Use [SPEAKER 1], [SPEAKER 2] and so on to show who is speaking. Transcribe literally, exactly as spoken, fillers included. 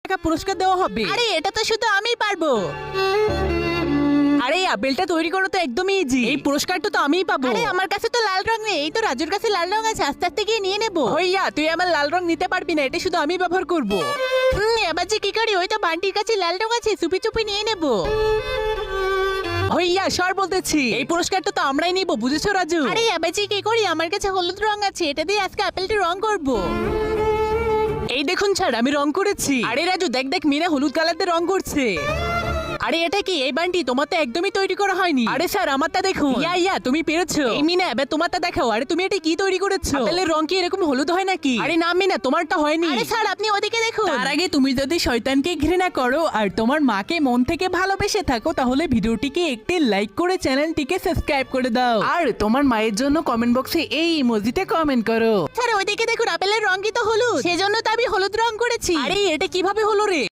[SPEAKER 1] টাকা পুরস্কার দেওয়া হবে।
[SPEAKER 2] আরে এটা তো শুধু আমিই পারবো।
[SPEAKER 1] আরে আপেলটা তৈরি করো তো একদমই ইজি, এই পুরস্কারটা তো আমিই পাবো।
[SPEAKER 2] আরে আমার কাছে তো লাল রং নেই, এই তো রাজুর কাছে লাল রং আছে, আস্তে আস্তে গিয়ে নিয়ে নেবো।
[SPEAKER 1] হইয়া তুই আমার লাল রং নিতে পারবি না, এটা শুধু আমি ব্যবহার করব।
[SPEAKER 2] হুম, এবার যে কি করি, ওই তো বান্টির কাছে লাল রং আছে, চুপি চুপি নিয়ে নেবো।
[SPEAKER 1] হইয়া সর বলতেছি, এই পুরস্কারটা তো আমরাই নিব, বুঝেছো রাজু?
[SPEAKER 2] আরে এবার যে কি করি, আমার কাছে হলুদ রং আছে, এটা দিয়ে আজকে আপেলটা রং করবো।
[SPEAKER 1] এই দেখুন স্যার, আমি রং করেছি। আরে রাজু দেখ দেখ, মিনা হলুদ কালার দিয়ে রং করছে। আরে এটা কি? এই বান্টি তোমার তো একদমই তৈরি করা হয়নি। আরে স্যার আমারটা দেখুন। ইয়া ইয়া তুমি পেরেছো। এই মিনা এবার তোমারটা দেখাও। আরে তুমি এটা কি তৈরি করেছো? আপেলের রং কি এরকম হলুদ হয় নাকি? আরে না মিনা, তোমারটা হয়নি।
[SPEAKER 2] আরে স্যার আপনি ওদিকে দেখুন।
[SPEAKER 1] তার আগে তুমি যদি শয়তানকে ঘৃণা করো আর তোমার মাকে মন থেকে ভালোবেসে থাকো, তাহলে ভিডিওটিকে একটি লাইক করে চ্যানেলটিকে সাবস্ক্রাইব করে দাও। আর তোমার মায়ের জন্য কমেন্ট বক্সে এই ইমোজিতে কমেন্ট করো।
[SPEAKER 2] স্যার ওইদিকে দেখুন, আপেলের রং কি তো হলুদ, সেজন্য তো আমি হলুদ রং করেছি।
[SPEAKER 1] আরে এটা কিভাবে হলো রে?